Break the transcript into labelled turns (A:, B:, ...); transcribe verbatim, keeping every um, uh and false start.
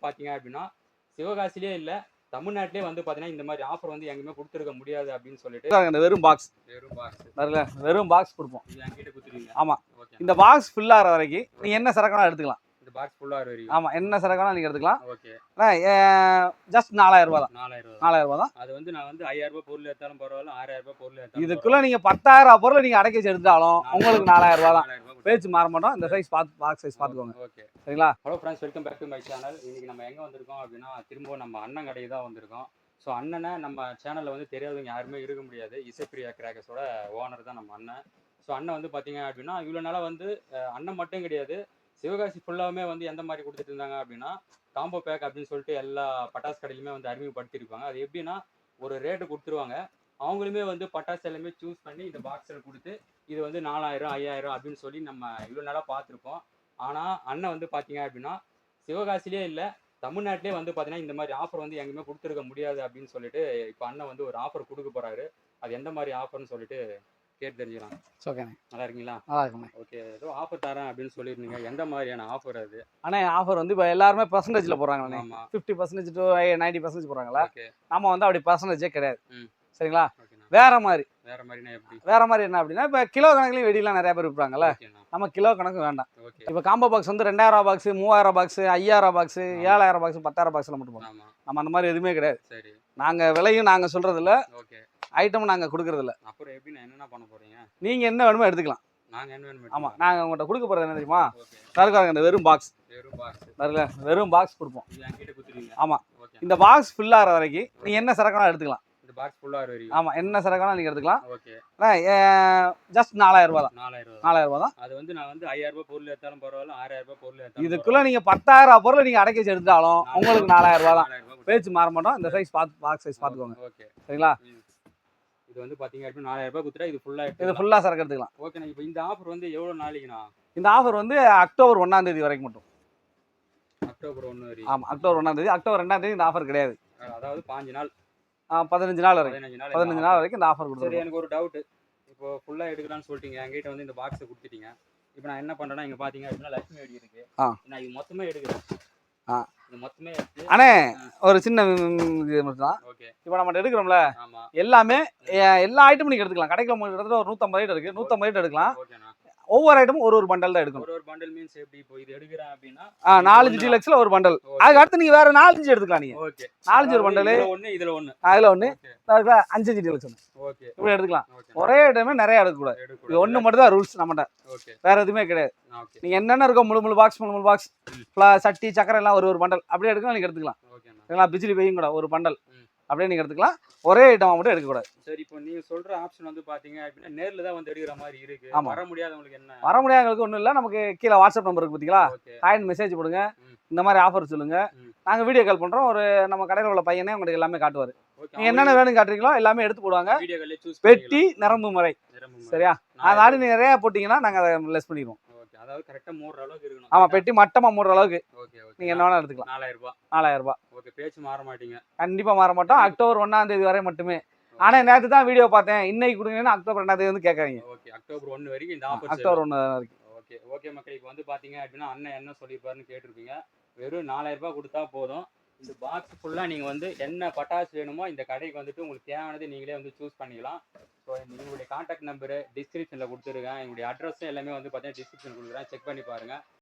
A: பார்த்தீங்க அப்படின்னா, சிவகாசியிலேயே இல்ல, தமிழ்நாட்டிலேயே வந்து பார்த்தீங்கன்னா, இந்த மாரி ஆஃபர் வந்து எங்கேயுமே குடுத்துருக்க முடியாது அப்படின்னு சொல்லிட்டு
B: இந்த வெறும் பாக்ஸ்
A: வெறும் பாக்ஸ்
B: வரல வெறும் பாக்ஸ் கொடுப்போம்.
A: இது என்கிட்ட குடுத்துருவீங்க.
B: ஆமா.
A: ஓகே.
B: இந்த பாக்ஸ் ஃபில் ஆகிற வரைக்கும் நீங்க என்ன சரக்குனா எடுத்துக்கலாம்.
A: இந்த பாக்ஸ் ஃபுல்லா வரைக்கும்.
B: ஆமா, என்ன சரக்குனா நீங்க எடுத்துக்கலாம்.
A: ஓகே.
B: ஜஸ்ட் நாலாயிரம் ரூபாய் தான்.
A: நாலாயிரம்
B: நாலாயிரம் ரூபாய் தான்.
A: அது வந்து நான் வந்து ஐயாயிரம் ரூபாய் பொருள் எடுத்தாலும் பரவாயில்ல, ஆறாயிரம் ரூபாய் பொருள் எடுத்தாலும்
B: இதுக்குள்ள நீங்க பத்தாயிரம் பொருள் நீங்க அடக்கி வச்சு எடுத்தாலும் உங்களுக்கு நாலாயிரம் ரூபாய் தான்.
A: நாலாயிரம் ரூபாய்
B: பேச்சு மாற மாட்டோம். இந்த சைஸ் பார்த்து பாக்ஸ் சைஸ் பார்த்துக்கோங்க.
A: ஓகே.
B: சரிங்களா?
A: Hello friends, welcome back to my channel. இன்னைக்கு நம்ம எங்க வந்திருக்கோம் அப்படின்னா, திரும்பவும் நம்ம அண்ணன் கடைக்கு தான் வந்திருக்கோம். ஸோ அண்ணனை நம்ம சேனலில் வந்து தெரியாதவங்க யாருமே இருக்க முடியாது. இசைப்பிரியா கிராக்கர்ஸோட ஓனர் தான் நம்ம அண்ணன். ஸோ அண்ணன் வந்து பார்த்தீங்க அப்படின்னா, இவ்வளோ நாளாக வந்து அஹ், அண்ணன் மட்டும் கிடையாது, சிவகாசி ஃபுல்லாகவுமே வந்து எந்த மாதிரி கொடுத்துட்டு இருந்தாங்க அப்படின்னா, காம்போ பேக் அப்படின்னு சொல்லிட்டு எல்லா பட்டாசு கடையிலுமே வந்து அறிமுகப்படுத்தியிருப்பாங்க. அது எப்படின்னா, ஒரு ரேட்டு கொடுத்துருவாங்க. அவங்களுமே வந்து பட்டாசு எல்லாமே சூஸ் பண்ணி இந்த பாக்ஸில் கொடுத்து, இது வந்து நாலாயிரம் ஐயாயிரம் அப்படின்னு சொல்லி நம்ம இவ்வளோ நாளாக பார்த்துருப்போம். ஆனால் அண்ணன் வந்து பார்த்தீங்க அப்படின்னா, சிவகாசிலே இல்லை, தமிழ்நாட்டிலே வந்து பார்த்தீங்கன்னா, இந்த மாதிரி ஆஃபர் வந்து எங்கேயுமே கொடுத்துருக்க முடியாது அப்படின்னு சொல்லிட்டு இப்போ அண்ணன் வந்து ஒரு ஆஃபர் கொடுக்க போறாரு. அது எந்த மாதிரி ஆஃபர்னு சொல்லிட்டு கேட்டு தெரிஞ்சுக்கலாம்.
B: ஓகேண்ணே.
A: நல்லா இருக்கீங்களா?
B: நல்லா இருக்குண்ணே.
A: ஓகே. ஏதோ ஆஃபர் தரேன் அப்படின்னு சொல்லியிருந்தீங்க. எந்த மாதிரியான ஆஃபர் அது?
B: அண்ணே, ஆஃபர் வந்து இப்போ எல்லாருமே பர்சன்டேஜில் போடுறாங்கண்ணே.
A: ஆமா.
B: Fifty percentage to ninety percentage போடுறாங்களா?
A: ஓகே.
B: நம்ம வந்து அப்படி பர்சன்டேஜே கிடையாது.
A: ம்.
B: சரிங்களா?
A: ஓகேண்ணா.
B: வேற மாதிரி
A: வேற மாதிரினா எப்படி?
B: வேற மாதிரி என்ன அப்படின்னா, இப்போ கிலோ கணக்குலையும் வெடிலாம் நிறைய பேர் விற்பாங்கல்ல.
A: ஓகேண்ணா.
B: நம்ம கிலோ கணக்கு வேண்டாம்.
A: ஓகே.
B: இப்போ காம்போ பாக்ஸ் வந்து ரெண்டாயிரம் பாக்ஸ், மூவாயிரம் பாக்ஸ், ஐயாயிரம் பாக்ஸ், ஏழாயிரம் பாக்ஸ், பத்தாயிரம் பாக்ஸ்ல மட்டும் போடுவோம்.
A: ஆமா.
B: நம்ம அந்த மாதிரி எதுவுமே கிடையாது.
A: சரி.
B: நாங்க விலையும் நாங்க சொல்றது இல்ல,
A: ஓகே.
B: ஐட்டம் நாங்க கொடுக்கறது இல்ல.
A: அப்புறம் எப்படி நான் என்னென்ன பண்ண போறீங்க?
B: நீங்க என்ன வேணுமோ எடுத்துக்கலாம்.
A: நாங்க என்ன வேணும்?
B: ஆமா, நாங்க உங்கள்கிட்ட கொடுக்க போறது என்ன தெரியுமா?
A: ஓகே.
B: சரக்காரங்க இந்த வெறும் பாக்ஸ்
A: வெறும் பாக்ஸ்.
B: வரல வெறும் பாக்ஸ் கொடுப்போம்.
A: இது என்கிட்ட குடுத்துருவீங்க.
B: ஆமா.
A: ஓகே.
B: இந்த பாக்ஸ் ஃபில் ஆகிற வரைக்கும் நீங்க என்ன சரக்கான எடுத்துக்கலாம்.
A: இந்த பாக்ஸ் ஃபுல்லா வரைக்கும்.
B: ஆமா, என்ன சரக்கான நீங்க எடுத்துக்கலாம்.
A: ஓகே.
B: ஜஸ்ட் நாலாயிரம் ரூபாய் தான்.
A: நாலாயிரம் ரூபாய்.
B: நாலாயிரம் ரூபாய் தான்.
A: அது வந்து நான் வந்து ஐயாயிரம் ரூபாய் பொருள் எடுத்தாலும் பரவாயில்ல, ஆறாயிரம் ரூபாய் பொருள் எடுத்தாலும்
B: இதுக்குள்ள நீங்க பத்தாயிரம் பொருள் நீங்க அடக்கி வச்சு எடுத்தாலும் உங்களுக்கு நாலாயிரம் ரூபாய் தான்.
A: நாலாயிரம் ரூபாய்.
B: பேச்சு மாற மாட்டோம். இந்த சைஸ் பார்த்து பாக்ஸ் சைஸ் பார்த்துக்கோங்க.
A: ஓகே.
B: சரிங்களா?
A: இது வந்து பாத்தீங்க அப்படின்னா நாலாயிரம் ரூபாய் குத்துறா இது ஃபுல்லா
B: இது
A: எடுத்து
B: ஃபுல்லா சரக்கு எடுத்துக்கலாம்.
A: ஓகேண்ணா. இப்போ இந்த ஆஃபர் வந்து எவ்வளவு நாளைக்குண்ணா?
B: இந்த ஆஃபர் வந்து அக்டோபர் ஒன்னாம் தேதி வரைக்கும் மட்டும்.
A: அக்டோபர் ஒன்று வரைக்கும்.
B: ஆமா, அக்டோபர் ஒன்னாம் தேதி. அக்டோபர் ரெண்டாம் தேதி இந்த ஆஃபர் கிடையாது.
A: அதாவது பாஞ்சு நாள்
B: பதினஞ்சு நாள் வரைக்கும்.
A: பதினஞ்சு நாள்
B: பதினஞ்சு நாள் வரைக்கும் இந்த ஆஃபர்
A: சரி.
B: கொடுத்துருக்கோம்.
A: எனக்கு ஒரு டவுட். இப்போ ஃபுல்லா எடுக்கலாம்னு சொல்லிட்டீங்க, என்கிட்ட வந்து இந்த பாக்ஸை கொடுத்துட்டீங்க. இப்போ நான் என்ன பண்றேன்னா, இங்க பாத்தீங்க அப்படின்னா லட்சுமி வெடி இருக்கு.
B: ஆ.
A: நான் இது மொத்தமே எடுக்கிறேன்.
B: ஆ.
A: இது மொத்தமே எடுத்து
B: அண்ணே, ஒரு சின்ன இது மட்டும் தான்.
A: ஓகே.
B: இப்போ நம்ம எடுக்கிறோம்ல,
A: ஆமா.
B: எல்லாமே எ- எல்லா ஐட்டமும் நீங்க எடுத்துக்கலாம். கடைக்குள்ள உங்களுக்கு கிட்டத்தட்ட ஒரு நூத்தம்பது ஐட்டம் இருக்கு. நூத்தம்பது ஐட்டம் எடுக்கலாம்.
A: ஓகேண்ணா.
B: ஒவ்வொரு ஐட்டமும் ஒரு ஒரு பண்டல் தான் எடுக்கணும்.
A: ஒரு ஒரு பண்டல் மீன்ஸ் எப்படி? இப்போ இது எடுக்கிறேன் அப்படின்னா
B: ஆ, நாலஞ்சு டீலக்ஸ்ல ஒரு பண்டல். அதுக்கு அடுத்து நீங்க வேற நாலஞ்சு எடுத்துக்கலாம். நீங்க
A: ஓகே.
B: நாலஞ்சு ஒரு பண்டல்,
A: இதுல ஒண்ணு இதுல ஒண்ணு.
B: அதுல ஒண்ணு,
A: ஓகே.
B: அதுல அஞ்சு அஞ்சு டீலக்ஸ் ஒண்ணு.
A: ஓகே.
B: இப்படி எடுத்துக்கலாம்.
A: ஓகே.
B: ஒரே ஐட்டமே நிறைய எடுக்கக்கூடாது. இது
A: எடுக்கக்கூடாது.
B: ஒண்ணு மட்டும் தான் ரூல்ஸ் நம்மகிட்ட.
A: ஓகே.
B: வேற எதுவுமே கிடையாது.
A: ஓகே.
B: நீங்க என்னென்ன இருக்கோ முழு முழு பாக்ஸ் முழு முழு பாக்ஸ், சட்டி சக்கரை எல்லாம் ஒரு ஒரு பண்டல் அப்படியே எடுக்கலாம். நீங்க எடுத்துக்கலாம்.
A: ஓகேண்ணா.
B: சரிங்களா? பிஜிலி பையும் கூட ஒரு பண்டல்
A: ம்.
B: அப்படியே நீங்க எடுத்துக்கலாம். ஒரே ஐட்டமா மட்டும் எடுக்கக்கூடாது.
A: சரி. இப்போ நீங்க சொல்ற ஆப்ஷன் வந்து பாத்தீங்க அப்படின்னா நேர்ல தான் வந்து எடுக்கிற மாதிரி இருக்கு.
B: ஆமா.
A: வர முடியாதவங்களுக்கு என்ன?
B: வர முடியாதவங்களுக்கு ஒன்றும் இல்லை. நமக்கு கீழே வாட்ஸ்அப் நம்பர் இருக்கு பார்த்தீங்களா?
A: ஓகே.
B: காயின் மெசேஜ் போடுங்க.
A: ம்.
B: இந்த மாதிரி ஆஃபர் சொல்லுங்க.
A: ம்.
B: நாங்கள் வீடியோ கால் பண்ணுறோம். ஒரு நம்ம கடையில் உள்ள பையனே உங்களுக்கு எல்லாமே காட்டுவார்.
A: ஓகே.
B: நீங்கள் என்னென்ன வேணும் காட்டுறீங்களோ எல்லாமே எடுத்து போடுவாங்க.
A: வீடியோ கால்ல சூஸ்
B: பெட்டி நிரம்பு முறை.
A: பண்ணிக்கலாம்.
B: சரியா? அது ஆடி நிறைய போட்டிங்கன்னா நாங்கள் அதை லெஸ் பண்ணிடுவோம்.
A: ஓகே. அதாவது கரெக்ட்டா மூடுற அளவுக்கு இருக்கணும்.
B: ஆமாம், பெட்டி மட்டமாக மூடுற அளவுக்கு
A: ஓகே. ஓகே.
B: நீங்கள் என்ன வேணால் எடுத்துக்கலாம்.
A: நாலாயிரம் ரூபாய்.
B: நாலாயிரம் ரூபாய்.
A: ஓகே. பேச்சு மாற மாட்டீங்க.
B: கண்டிப்பாக மாற மாட்டோம். அக்டோபர் ஒன்றாம் தேதி வரை மட்டுமே. ஆனால் நேற்று தான் வீடியோ பார்த்தேன், இன்னைக்கு கொடுங்கன்னா அக்டோபர் ரெண்டாம் தேதி வந்து கேட்காதீங்க.
A: ஓகே. அக்டோபர் ஒன்று வரைக்கும் இந்த ஆஃபர்.
B: அக்டோபர் ஒன்று வரைக்கும்.
A: ஓகே. ஓகே மக்களே, இப்போ வந்து பாத்தீங்க அப்படின்னா அண்ணன் என்ன சொல்லியிருப்பாருன்னு கேட்டிருப்பீங்க. வெறும் நாலாயிரம் ரூபாய் கொடுத்தா போதும். இந்த பாக்ஸ் ஃபுல்லா நீங்க வந்து என்ன பட்டாசு வேணுமோ இந்த கடைக்கு வந்துட்டு உங்களுக்கு தேவையானது நீங்களே வந்து சூஸ் பண்ணிக்கலாம். ஸோ எங்களுடைய கான்டாக்ட் நம்பரு டிஸ்கிரிப்ஷனில் கொடுத்துருக்கேன். எங்களுடைய அட்ரஸும் எல்லாமே வந்து பார்த்தீங்கன்னா டிஸ்கிரிப்ஷன் கொடுக்குறேன். செக் பண்ணி பாருங்க.